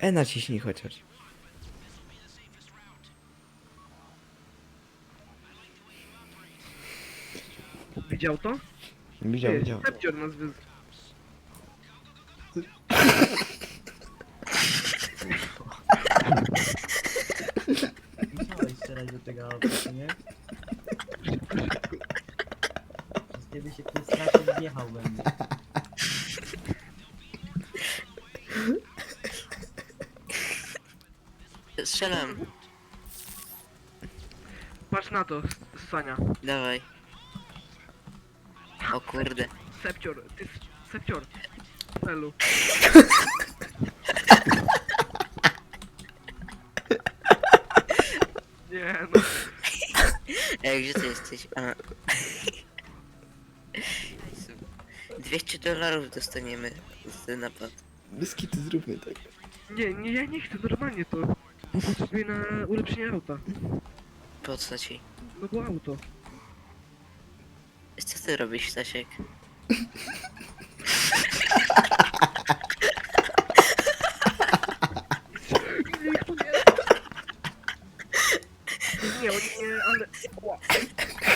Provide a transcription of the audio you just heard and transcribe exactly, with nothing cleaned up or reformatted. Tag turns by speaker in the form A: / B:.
A: E naciśnij chociaż.
B: Widział to?
A: Widział,
B: Ty,
A: widział.
B: Sepcior nas wy...
C: Musiałeś strzelać do tego auta, co nie? Przez kiedy się ktoś strasznie wjechał we mnie.
D: Strzelam,
B: Patrz na to, Sania.
D: dawaj. O kurde.
B: Sepcior, ty... Sepcior. Felu. Nie no.
D: Ej, gdzie ty jesteś? A. dwieście dolarów dostaniemy za ten napad.
A: Biskity zróbmy tak.
B: Nie, nie, ja nie chcę, normalnie to. Bo potrzebuję na ulepszenie auta.
D: Po co ci?
B: No bo auto.
D: Co ty robisz, Stasiek?
B: Nie, oni nie, ale... Ła.